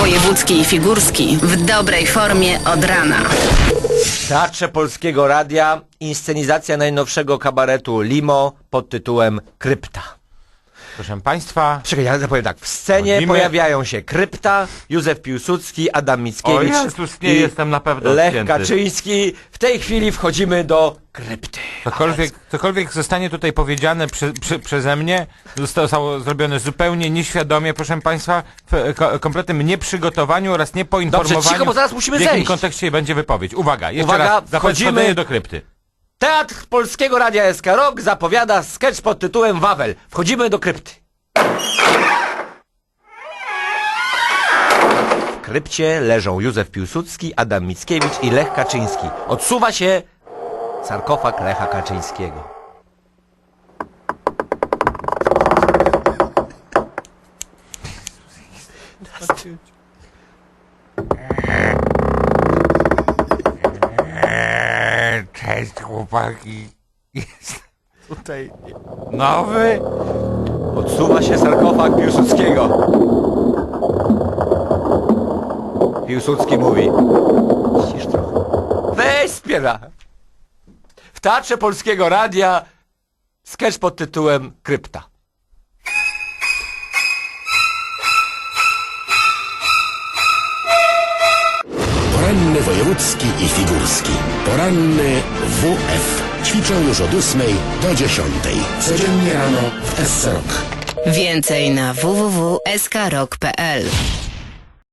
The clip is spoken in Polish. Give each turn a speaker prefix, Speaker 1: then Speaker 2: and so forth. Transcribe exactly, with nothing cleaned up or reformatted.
Speaker 1: Wojewódzki i Figurski w dobrej formie od rana.
Speaker 2: W Teatrze Polskiego Radia inscenizacja najnowszego kabaretu Limo pod tytułem Krypta.
Speaker 3: Proszę Państwa...
Speaker 2: Czekaj, ja powiem tak. W scenie
Speaker 3: Chodzimy.
Speaker 2: pojawiają się Krypta, Józef Piłsudski, Adam Mickiewicz
Speaker 3: O Jezus, nie
Speaker 2: i
Speaker 3: jestem na pewno
Speaker 2: Lech
Speaker 3: odcięty.
Speaker 2: Kaczyński. W tej chwili wchodzimy do Krypty.
Speaker 3: Cokolwiek, cokolwiek zostanie tutaj powiedziane prze, prze, przeze mnie, zostało zrobione zupełnie nieświadomie, proszę Państwa, w ko, kompletnym nieprzygotowaniu oraz niepoinformowaniu,
Speaker 2: Dobrze, cicho, bo zaraz musimy
Speaker 3: w jakim
Speaker 2: zejść.
Speaker 3: kontekście będzie wypowiedź. Uwaga, jeszcze
Speaker 2: Uwaga,
Speaker 3: raz,
Speaker 2: wchodzimy.
Speaker 3: wchodzimy do krypty.
Speaker 2: Teatr Polskiego Radia S K Rock zapowiada sketch pod tytułem Wawel. Wchodzimy do Krypty. W krypcie leżą Józef Piłsudski, Adam Mickiewicz i Lech Kaczyński. Odsuwa się sarkofag Lecha Kaczyńskiego.
Speaker 3: Eee, cześć chłopaki. Jest tutaj nowy.
Speaker 2: Odsuwa się sarkofag Piłsudskiego. Piłsudski mówi: cisz trochę. Weź spiera. W Teatrze Polskiego Radia sketch pod tytułem Krypta.
Speaker 4: Poranny wojewódzki i figurski. Poranny W F. Ćwiczą już od ósmej do dziesiątej. Codziennie rano w S C Rock.
Speaker 1: Więcej na w w w kropka s k rock kropka p l.